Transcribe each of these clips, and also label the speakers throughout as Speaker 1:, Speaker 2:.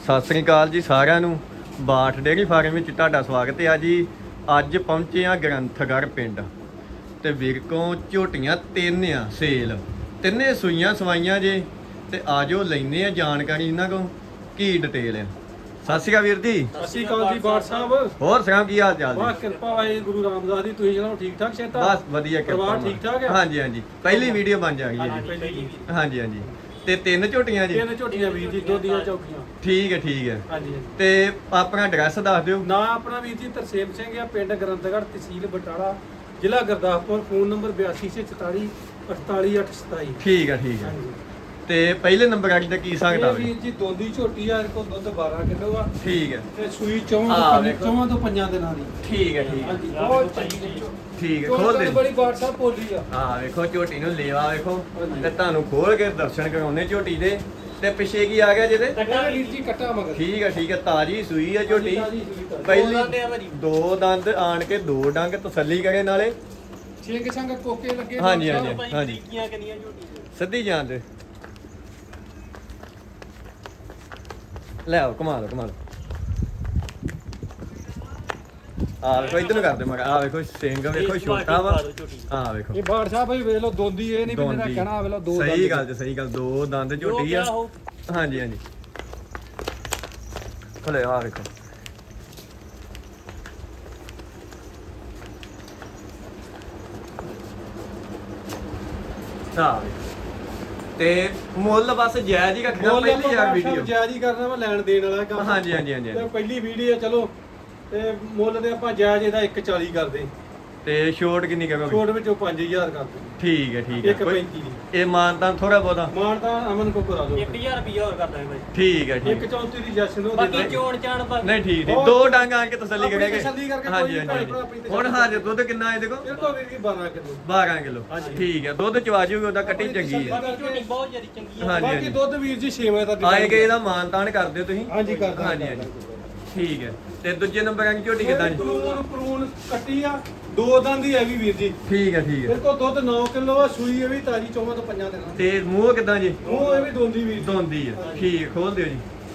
Speaker 1: ਸਤਿ ਸ੍ਰੀ ਅਕਾਲ ਜੀ ਸਾਰਿਆਂ ਨੂੰ। ਬਾਠ ਡੇਅਰੀ ਫਾਰਮ ਵਿੱਚ ਤੁਹਾਡਾ ਸਵਾਗਤ ਹੈ ਜੀ। ਅੱਜ ਪਹੁੰਚੇ ਆ ਗ੍ਰੰਥਗੜ੍ਹ ਪਿੰਡ ਤੇ ਵੀਰ ਕੋਲ ਝੋਟੀਆਂ ਤਿੰਨ ਆ ਸੇਲ, ਤਿੰਨੇ ਸੂਈਆਂ ਸਵਾਈਆਂ ਜੇ ਤੇ ਆਜੋ ਲੈਨੇ ਆ ਜਾਣਕਾਰੀ ਇਹਨਾਂ ਕੋਲ ਕੀ ਡਿਟੇਲ ਆ। ਸਤਿ ਸ਼੍ਰੀ ਅਕਾਲ ਵੀਰ ਜੀ।
Speaker 2: ਸਤਿ ਸ਼੍ਰੀ ਅਕਾਲ ਜੀ ਬਾਠ ਸਾਹਿਬ।
Speaker 1: ਹੋਰ ਸੁਣਾਓ ਕੀ ਹਾਲ ਚਾਲ
Speaker 2: ਵਾਹ
Speaker 1: ਜੀ?
Speaker 2: ਕਿਰਪਾ ਵਾਹਿ ਗੁਰੂ ਰਾਮਦਾਸ ਦੀ। ਤੁਸੀਂ ਜਨਾਬ ਠੀਕ ਠਾਕ ਸ਼ੇਤਾ?
Speaker 1: ਬਸ ਵਧੀਆ ਕਿਰਪਾ।
Speaker 2: ਪਰਿਵਾਰ ਠੀਕ ਠਾਕ ਹੈ?
Speaker 1: ਹਾਂਜੀ ਹਾਂਜੀ, ਪਹਿਲੀ ਵੀਡੀਓ ਬਣ ਜਾਣੀ ਹੈ ਜੀ। ਹਾਂਜੀ ਹਾਂਜੀ, ਤੇ ਤਿੰਨ ਝੋਟੀਆਂ ਜੀ?
Speaker 2: ਤਿੰਨ ਝੋਟੀਆਂ ਵੀਰ ਜੀ, ਦੁੱਧ ਦੀਆਂ ਚੌਕੀਆਂ।
Speaker 1: ਠੀਕ ਹੈ ਠੀਕ ਹੈ।
Speaker 2: ਹਾਂਜੀ
Speaker 1: ਤੇ ਆਪਣਾ ਐਡਰੈਸ ਦੱਸ ਦਿਓ।
Speaker 2: ਨਾ ਆਪਣਾ ਵੀਰ ਜੀ ਤਰਸੇਮ ਸਿੰਘ ਆ, ਪਿੰਡ ਗ੍ਰੰਥਗੜ੍ਹ, ਤਹਿਸੀਲ ਬਟਾਲਾ, ਜ਼ਿਲ੍ਹਾ ਗੁਰਦਾਸਪੁਰ। Phone number 8244 48827।
Speaker 1: ਠੀਕ ਹੈ ਠੀਕ ਹੈ।
Speaker 2: ਹਾਂਜੀ।
Speaker 1: ਤੇ ਪਹਿਲੇ ਨੰਬਰ ਅੱਜ ਦਾ ਕੀ ਹਿਸਾਬ
Speaker 2: ਇਹ ਵੀਰ ਜੀ ਦੋਂਦੀ ਝੋਟੀ ਆ, ਇਹਦੇ ਕੋਲ ਦੁੱਧ 12 ਕਿਲੋ ਆ
Speaker 1: ਠੀਕ ਹੈ
Speaker 2: ਤੇ ਸੂਈ
Speaker 1: ਆਹ
Speaker 2: 4
Speaker 1: ਵੇਖੋ।
Speaker 2: ਤੋਂ 5 ਦਿਨਾਂ ਦੀ।
Speaker 1: ਠੀਕ ਹੈ ਠੀਕ ਹੈ
Speaker 2: ਹਾਂਜੀ, ਬਹੁਤ ਚੰਗੀ
Speaker 1: ਠੀਕ ਹੈ। ਖੋਲ ਦੇ।
Speaker 2: ਬੜੀ ਬਾਠ ਸਾਹਿਬ ਬੋਲੀ ਆ।
Speaker 1: ਹਾਂ ਵੇਖੋ ਝੋਟੀ ਨੂੰ ਲੇਵਾ ਵੇਖੋ
Speaker 2: ਹਾਂਜੀ।
Speaker 1: ਤੇ ਤੁਹਾਨੂੰ ਖੋਲ ਕੇ ਦਰਸ਼ਨ ਕਰਾਉਣੇ ਝੋਟੀ ਦੇ। ਤੇ ਪਿੱਛੇ ਕੀ ਆ ਗਿਆ ਜਿਹਦੇ?
Speaker 2: ਕੱਟਾ ਵੀਰ ਜੀ, ਕੱਟਾ ਮਗਰ।
Speaker 1: ਠੀਕ ਹੈ ਤਾਜੀ ਸੂਈ ਆ ਝੋਟੀ।
Speaker 2: ਤਾਜ਼ੀ ਸੂਈ ਤਾਂ।
Speaker 1: ਪਹਿਲੀ ਦੋ ਦੰਦ ਆਣ ਕੇ ਦੋ ਡੰਗ ਤਸੱਲੀ ਕਰੇ ਨਾਲੇ।
Speaker 2: ਛਿੰਗ ਸੰਗ ਕੋਕੇ ਲੱਗੇ।
Speaker 1: ਹਾਂਜੀ
Speaker 2: ਬਾਠ
Speaker 1: ਹਾਂਜੀ
Speaker 2: ਸਾਹਿਬ।
Speaker 1: ਹਾਂਜੀ,
Speaker 2: ਕਿੰਨੀਆਂ ਝੋਟੀ
Speaker 1: ਸਿੱਧੀ ਜਾਣ ਦੇ। ਲੈ ਆਓ, ਘੁਮਾ ਲਓ ਆ ਵੇਖੋ ਇੱਧਰ ਨੂੰ ਕਰਦੇ ਮਗਾ। ਆ ਵੇਖੋ ਸਿੰਘ ਵੇਖੋ ਛੋਟਾ ਵਾ। ਆ ਵੇਖੋ
Speaker 2: ਇਹ ਬਾਠ ਸਾਹਿਬ ਭਾਈ ਵੇਖ ਲਓ ਦੋਂਦੀ, ਇਹ ਨਹੀਂ ਵੀ ਮੇਰਾ
Speaker 1: ਦੋਂਦੀ।
Speaker 2: ਕਹਿਣਾ ਵੇਖ ਲਓ ਦੋ
Speaker 1: ਸਹੀ ਗੱਲ ਦੋ ਦੰਦ ਝੋਟੀ ਆ। ਹਾਂਜੀ ਹਾਂਜੀ, ਖਲੇ ਆ ਵੇਖੋ। ਆ ਵੇਖੋ। ਤੇ ਮੁੱਲ ਬਸ ਜਾਇਜ਼ ਹੀ ਰੱਖਣਾ ਪਹਿਲੀ ਯਾਰ ਵੀਡੀਓ।
Speaker 2: ਜਾਇਜ਼ ਹੀ ਕਰਨਾ ਵਾ, ਲੈਣ ਦੇਣ ਵਾਲਾ ਕੰਮ।
Speaker 1: ਹਾਂਜੀ ਹਾਂਜੀ ਹਾਂਜੀ
Speaker 2: ਤੇ ਪਹਿਲੀ ਵੀਡੀਓ ਚਲੋ ਤੇ ਮੁੱਲ ਦੇ ਆਪਾਂ ਜਾਇਜ਼ ਇਹਦਾ 140 ਕਰਦੇ।
Speaker 1: ਤੇ ਛੋਟ ਕਿੰਨੀ ਕਰੋਗੇ?
Speaker 2: ਛੋਟ ਵਿੱਚੋਂ 5000 ਕਰਦੇ।
Speaker 1: ਠੀਕ ਹੈ
Speaker 2: 135 ਦੀ।
Speaker 1: ਇਹ ਮਾਨਤਾਨ ਥੋੜਾ ਬਹੁਤਾ?
Speaker 2: ਮਾਨ ਤਾਂ ਅਮਨ ਕੋ ਕਰਾ ਦਿਓ।
Speaker 3: 1000 ਰੁਪਿਆ ਹੋਰ ਕਰ ਦਾਂਗੇ ਬਾਈ।
Speaker 1: ਠੀਕ ਹੈ
Speaker 2: 134 ਦੀ ਜਸ਼ਨ ਉਹ
Speaker 3: ਬਾਕੀ ਚੋਣ ਚਾਣ ਬਾਕੀ
Speaker 1: ਨਹੀਂ ਠੀਕ ਦੋ ਡੰਗ ਆਣ ਕੇ ਤਸੱਲੀ
Speaker 2: ਆਪਣੀ
Speaker 1: ਕਰਾਂਗੇ।
Speaker 2: ਤਸੱਲੀ ਕਰਕੇ ਕੋਈ
Speaker 1: ਹਾਂਜੀ
Speaker 2: ਵੀ ਭੈਣ
Speaker 1: ਹਾਂਜੀ
Speaker 2: ਭਰਾ ਆਪਣੀ
Speaker 1: ਹੁਣ
Speaker 2: ਤਸੱਲੀ
Speaker 1: ਹਾਜ਼ਰ ਦੁੱਧ ਕਿੰਨਾ ਇਹਦੇ ਕੋਲ?
Speaker 2: ਇਹ ਕੋ ਵੀਰ ਜੀ 12 ਕਿਲੋ।
Speaker 1: 12 ਕਿਲੋ।
Speaker 2: ਹਾਂਜੀ।
Speaker 1: ਠੀਕ ਹੈ, ਦੁੱਧ ਚਵਾ ਜੂਗੀ ਉਹਦਾ ਕੱਟੀ ਚੰਗੀ ਹੈ।
Speaker 3: ਬਾਕੀ ਝੋਟੀ ਬਹੁਤ ਜ਼ਿਆਦਾ ਚੰਗੀ ਆ।
Speaker 1: ਹਾਂਜੀ
Speaker 2: ਬਾਕੀ
Speaker 1: ਹਾਂਜੀ,
Speaker 2: ਦੁੱਧ ਵੀਰ ਜੀ 6 ਵਜੇ ਤੱਕ
Speaker 1: ਆਏ ਗਏ ਇਹਦਾ ਮਾਨਤਾਨ ਕਰ ਦਿਓ ਤੁਸੀਂ।
Speaker 2: ਹਾਂਜੀ ਕਰਦਾ।
Speaker 1: ਹਾਂਜੀ ਹਾਂਜੀ ਠੀਕ ਹੈ। ਤੇ ਦੂਜੇ ਨੰਬਰ ਆਂ ਝੋਟੀ ਕਿਦਾਂ ਜੀ?
Speaker 2: ਪ੍ਰੂਨ ਕੱਟੀ ਆ, ਦੋ ਦੰਦ ਹੀ ਹੈ ਵੀ ਵੀਰ ਜੀ।
Speaker 1: ਠੀਕ ਹੈ
Speaker 2: ਮੇਰੇ ਕੋਲ ਦੁੱਧ 9 ਕਿਲੋ ਆ, ਸੂਈ ਇਹ ਵੀ ਤਾਜੀ 4 ਤੋਂ 5 ਦਿਨਾਂ ਦੀ।
Speaker 1: ਤੇ ਮੂੰਹ ਕਿਦਾਂ ਜੀ?
Speaker 2: ਉਹ ਇਹ ਵੀ ਦੋਂਦੀ ਵੀਰ ਜੀ।
Speaker 1: ਦੋਂਦੀ ਹੈ।
Speaker 2: ਹਾਂਜੀ।
Speaker 1: ਠੀਕ, ਖੋਲ ਦਿਓ ਜੀ।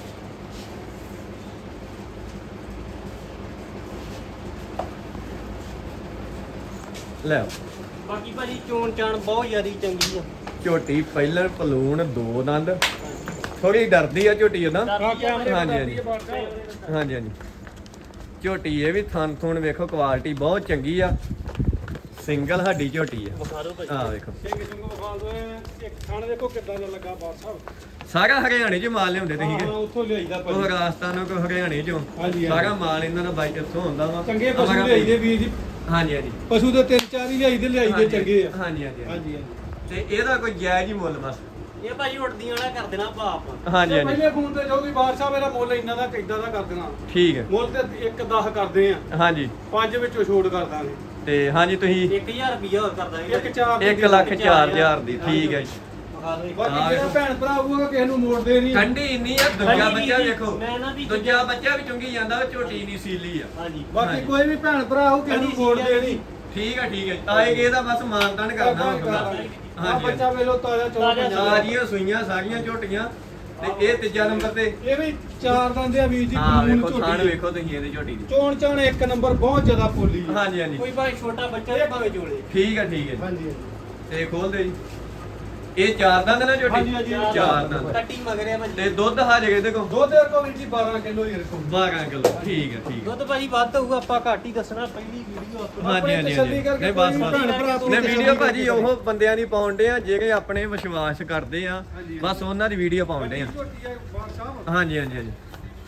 Speaker 1: ਲੈ ਆਓ।
Speaker 3: ਬਾਕੀ ਭਾਜੀ ਚੋਣ ਚਾਣ ਬਹੁਤ ਜ਼ਿਆਦਾ ਚੰਗੀ ਆ।
Speaker 1: ਝੋਟੀ ਪਹਿਲਾਂ ਪਲੂਣ ਦੋ ਦੰਦ, ਥੋੜੀ ਡਰਦੀ ਆ ਝੋਟੀ ਉਹਦਾ।
Speaker 2: ਹਾਂ ਕੈਮਰੇ
Speaker 1: ਹਾਂਜੀ,
Speaker 2: ਤੇ
Speaker 1: ਹਾਂਜੀ।
Speaker 2: ਬਾਠ ਸਾਹਿਬ।
Speaker 1: ਹਾਂਜੀ ਹਾਂਜੀ, ਝੋਟੀ ਇਹ ਵੀ ਥਣ ਥੁਣ ਵੇਖੋ, ਕੁਆਲਿਟੀ ਬਹੁਤ ਚੰਗੀ ਆ। ਸਿੰਗਲ ਹੱਡੀ ਝੋਟੀ ਆ।
Speaker 3: ਵਿਖਾ ਦਿਓ ਭਾਜੀ।
Speaker 1: ਆ ਵੇਖੋ,
Speaker 2: ਸਿੰਘ ਸਿੰਘ ਵਿਖਾ ਦੋ। ਇੱਕ ਥਣ ਦੇਖੋ ਕਿੱਦਾਂ ਦਾ ਲੱਗਾ ਬਾਠ ਸਾਹਿਬ।
Speaker 1: ਸਾਰਾ ਹਰਿਆਣੇ ਚ ਮਾਲ ਲਿਆਉਂਦੇ ਤੁਸੀਂ
Speaker 2: ਹਾਂ
Speaker 1: ਕਿ
Speaker 2: ਉੱਥੋਂ ਲਿਆਈਦਾ
Speaker 1: ਉਹ
Speaker 2: ਭਾਜੀ।
Speaker 1: ਰਾਜਸਥਾਨੋਂ ਕੋ ਹਰਿਆਣੇ ਚੋਂ
Speaker 2: ਹਾਂਜੀ,
Speaker 1: ਸਾਰਾ
Speaker 2: ਹਾਂਜੀ।
Speaker 1: ਮਾਲ ਇਹਨਾਂ ਦਾ ਬਾਈ ਇੱਥੋਂ ਹੁੰਦਾ ਵਾ।
Speaker 2: ਚੰਗੇ ਪਸ਼ੂ ਲਿਆਈਦੇ ਵੀਰ ਜੀ।
Speaker 1: ਹਾਂਜੀ ਹਾਂਜੀ
Speaker 2: ਪਸ਼ੂ ਦੇ 3-4 ਹੀ ਲਿਆਈਦੇ ਚੰਗੇ ਆ।
Speaker 1: ਹਾਂਜੀ ਹਾਂਜੀ
Speaker 2: ਹਾਂਜੀ ਹਾਂਜੀ।
Speaker 1: ਤੇ ਇਹਦਾ ਕੋਈ ਜਾਇਜ਼ ਹੀ ਮੁੱਲ ਬਸ?
Speaker 3: ਇਹ ਭਾਜੀ ਉੱਡਦੀਆਂ ਵਾਲਾ ਕਰ ਦੇਣਾ ਭਾਪ।
Speaker 1: ਹਾਂਜੀ
Speaker 2: ਤੇ
Speaker 1: ਹਾਂਜੀ
Speaker 2: ਪਹਿਲੇ ਫੋਨ ਤੇ ਜੋ ਵੀ ਬਾਠ ਸਾਹਿਬ ਇਹਦਾ ਮੁੱਲ ਇੰਨਾ ਦਾ ਕਿੱਦਾਂ ਦਾ ਕਰ ਦੇਣਾ।
Speaker 1: ਠੀਕ ਹੈ।
Speaker 2: ਮੁੱਲ ਤੇ 1-10 ਕਰਦੇ ਆ,
Speaker 1: ਹਾਂਜੀ
Speaker 2: 5 ਵਿੱਚੋਂ ਛੋੜ ਕਰ ਦਾਂਗੇ।
Speaker 1: ਤੇ ਹਾਂਜੀ ਤੁਸੀਂ
Speaker 3: 1000 ਰੁਪਿਆ ਹੋਰ ਕਰ ਦਾਂਗੇ।
Speaker 2: 1-4
Speaker 1: 1,04,000 ਦੀ। ਠੀਕ ਹੈ ਜੀ।
Speaker 3: ਵਿਖਾ ਦਿਓ।
Speaker 2: ਬਾਕੀ ਜਿਹੜਾ ਭੈਣ ਭਰਾ ਆਊਗਾ ਕਿਸੇ ਨੂੰ ਮੋੜਦੇ ਨਹੀਂ।
Speaker 1: ਠੰਡੀ ਇੰਨੀ ਆ। ਦੂਜਾ
Speaker 3: ਠੰਡੀ
Speaker 1: ਬੱਚਾ
Speaker 3: ਵੀ-
Speaker 1: ਵੇਖੋ,
Speaker 3: ਮੈਂ ਨਾ ਵੀ
Speaker 1: ਦੂਜਾ ਬੱਚਾ ਵੀ ਚੁੰਗੀ ਜਾਂਦਾ, ਉਹ ਝੋਟੀ ਨਹੀਂ ਸੀਲੀ ਆ।
Speaker 3: ਹਾਂਜੀ।
Speaker 2: ਬਾਕੀ
Speaker 1: ਹਾਂਜੀ।
Speaker 2: ਕੋਈ ਵੀ ਭੈਣ ਭਰਾ ਆਊ ਕਿਸੇ ਨੂੰ ਮੋੜਦੇ ਨਹੀਂ।
Speaker 1: ਠੀਕ ਹੈ ਆਏਗੇ ਇਹਦਾ ਬਸ ਮਾਨਤਾਨ ਕਰਨਾ ਹੁੰਦਾ।
Speaker 2: ਹਾਂ ਬੱਚਾ ਵੇਲੋ ਤਾਜ਼ਾ
Speaker 3: ਤਾਜ਼ਾ।
Speaker 1: ਸਾਰੀਆਂ ਸੂਈਆਂ ਸਾਰੀਆਂ ਝੋਟੀਆਂ। ਤੇ ਇਹ ਤੀਜਾ ਨੰਬਰ ਤੇ
Speaker 2: ਇਹ ਵੀ 4 ਦੰਦੇ ਆ ਵੀਰ ਜੀ।
Speaker 1: ਹਾਂ
Speaker 2: ਕਾਨੂੰਨ
Speaker 1: ਵੇਖੋ, ਥਾਣ
Speaker 2: ਝੋਟੀ।
Speaker 1: ਵੇਖੋ ਤੁਸੀਂ ਇਹਦੀ ਝੋਟੀ ਦੀ।
Speaker 2: ਚੋਣ ਚਾਣ ਇੱਕ ਨੰਬਰ, ਬਹੁਤ ਜ਼ਿਆਦਾ ਪੋਲੀ ਹੈ।
Speaker 1: ਹਾਂਜੀ ਹਾਂਜੀ
Speaker 3: ਕੋਈ ਭਾਵੇਂ ਛੋਟਾ ਬੱਚਾ ਤੇ ਭਾਵੇਂ ਜੋੜੇ।
Speaker 1: ਠੀਕ ਹੈ
Speaker 2: ਹਾਂਜੀ ਹਾਂਜੀ।
Speaker 1: ਤੇ ਖੋਲ ਦੇ ਜੀ। ਇਹ ਚਾਰ ਦੰਦ ਨਾ ਝੋਟੀ?
Speaker 2: ਹਾਂਜੀ, ਹਾਂਜੀ,
Speaker 1: ਚਾਰ ਦੰਦ।
Speaker 3: ਕੱਟੀ ਮਗਰਿਆ ਭਾਜੀ।
Speaker 1: ਤੇ ਦੁੱਧ ਹਾਜੇ ਇਹਦੇ ਕੋਲ
Speaker 2: ਦੁੱਧ ਦੇ ਕੋ ਵੀਰ ਜੀ 12 ਕਿਲੋ ਹੀ ਰੱਖੋ।
Speaker 1: 12 ਕਿਲੋ। ਠੀਕ ਹੈ
Speaker 3: ਦੁੱਧ ਭਾਜੀ ਵੱਧ ਹੋਊਗਾ, ਆਪਾਂ ਘੱਟ ਹੀ ਦੱਸਣਾ। ਪਹਿਲੀ ਵੀਡੀਓ ਆਪਣੀ।
Speaker 1: ਹਾਂਜੀ ਹਾਂਜੀ
Speaker 2: ਤਸੱਲੀ ਕਰਕੇ
Speaker 1: ਨਹੀਂ ਬਸ
Speaker 2: ਕੋਈ
Speaker 1: ਬਸ
Speaker 2: ਭੈਣ ਭਰਾ ਆਪਣੀ
Speaker 1: ਨੇ
Speaker 2: ਤਸੱਲੀ
Speaker 1: ਵੀਡੀਓ
Speaker 2: ਕਰਕੇ
Speaker 1: ਭਾਜੀ ਉਹ ਬੰਦਿਆਂ ਦੀ ਪਾਉਂਦੇ ਆ ਜਿਹੜੇ ਆਪਣੇ ਵਿਸ਼ਵਾਸ ਕਰਦੇ ਆ।
Speaker 2: ਹਾਂਜੀ।
Speaker 1: ਬਸ ਉਹਨਾਂ ਦੀ ਵੀਡੀਓ ਪਾਉਂਦੇ ਆ।
Speaker 2: ਝੋਟੀ ਹੈ ਬਾਠ ਸਾਹਿਬ।
Speaker 1: ਹਾਂਜੀ ਹਾਂਜੀ ਹਾਂਜੀ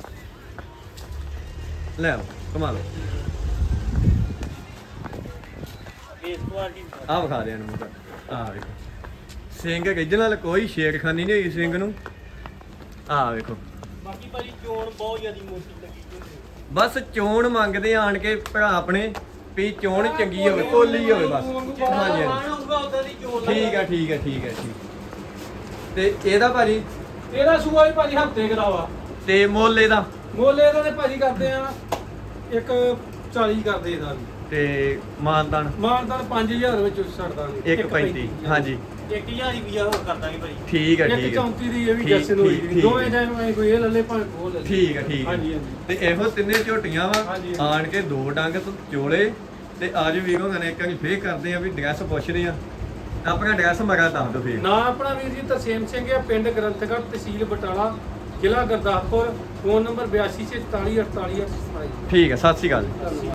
Speaker 1: ਲੈ ਆਓ, ਕਮਾ ਲਓ।
Speaker 3: Base quality.
Speaker 1: ਆਹ ਵਿਖਾ ਦੇ ਇਹਨੂੰ ਆਹ ਵੇਖੋ, ਸਿੰਘ original, ਕੋਈ ਛੇੜਖਾਨੀ ਨਹੀਂ ਹੋਈ ਸਿੰਘ ਨੂੰ। ਆਹ ਵੇਖੋ,
Speaker 3: ਬਾਕੀ ਭਾਜੀ ਚੋਣ ਬਹੁਤ ਜ਼ਿਆਦਾ ਮੋਟੀ ਲੱਗੀ ਝੋਟੀ।
Speaker 1: ਬਸ ਚੋਣ ਮੰਗਦੇ ਆਣ ਕੇ ਭਰਾ ਆਪਣੇ ਵੀ ਚੋਣ ਚੰਗੀ ਹੋਵੇ, ਕੋਲੀ ਹੋਵੇ ਬਸ। ਹਾਂਜੀ ਹਾਂਜੀ
Speaker 3: ਹੋਊਗਾ ਉਦਾਂ ਦੀ ਚੋਣ
Speaker 1: ਠੀਕ ਹੈ ਠੀਕ। ਤੇ ਇਹਦਾ ਭਾਜੀ?
Speaker 2: ਇਹਦਾ ਸੂਆ ਹੀ ਭਾਜੀ ਹਫਤੇ ਕਰਾਵਾ।
Speaker 1: ਤੇ ਮੁੱਲ ਇਹਦਾ?
Speaker 2: ਮੁੱਲ ਇਹਦਾ ਤੇ ਭਾਜੀ ਕਰਦੇ ਆ 140 ਕਰਦੇ ਇਹਦਾ ਵੀ।
Speaker 1: ਤੇ ਮਾਨਦਾਨ?
Speaker 2: ਮਾਨਦਾਨ 5000 ਵਿੱਚ ਛੱਡ ਦਾਂਗੇ।
Speaker 1: 1.35। ਹਾਂਜੀ
Speaker 3: 1000 ਹੀ ਵੀਜ਼ਾ ਹੋਰ ਕਰ ਦਾਂਗੇ ਭਾਜੀ।
Speaker 1: ਠੀਕ ਹੈ
Speaker 2: ਇੱਕ
Speaker 1: ਠੀਕ ਹੈ
Speaker 2: 34 ਦੀ ਇਹ ਵੀ
Speaker 1: ਠੀਕ-
Speaker 2: ਜੈਸਨ ਹੋਈ
Speaker 1: ਠੀਕ-
Speaker 2: ਜੀ
Speaker 1: ਠੀਕ
Speaker 2: ਦੋਵੇਂ
Speaker 1: ਹੈ।
Speaker 2: ਜੈਨ ਨੂੰ ਕੋਈ ਇਹ ਲੱਲੇ ਭਾਵੇਂ ਉਹ ਲੱਲੇ
Speaker 1: ਠੀਕ ਹੈ ਠੀਕ ਹੈ
Speaker 2: ਹਾਂਜੀ ਹਾਂਜੀ
Speaker 1: ਤੇ ਇਹੋ ਤਿੰਨੇ ਝੋਟੀਆਂ ਵਾ
Speaker 2: ਹਾਂਜੀ।
Speaker 1: ਆਣ ਕੇ ਦੋ ਡੰਗ ਤੋਂ ਚੋਲੇ ਤੇ ਅੱਜ ਵੀਰ ਉਹਨਾਂ ਨੇ ਇੱਕ ਵਾਰੀ ਫੇਰ ਕਰਦੇ ਆ ਵੀ ਡਰੈਸ ਪੁੱਛਦੇ ਆ ਆਪਣਾ ਡਰੈਸ ਮਗਾ ਦੱਸ ਦਿਓ ਫੇਰ
Speaker 2: ਨਾ ਆਪਣਾ ਵੀਰ ਜੀ ਤਰਸੇਮ ਸਿੰਘ ਹੈ ਪਿੰਡ ਗ੍ਰੰਥਗੜ੍ਹ ਤਹਿਸੀਲ ਬਟਾਲਾ ਜ਼ਿਲ੍ਹਾ ਗੁਰਦਾਸਪੁਰ ਫੋਨ ਨੰਬਰ 8244488827
Speaker 1: ਠੀਕ ਹੈ ਸਤਿ ਸ਼੍ਰੀ ਅਕਾਲ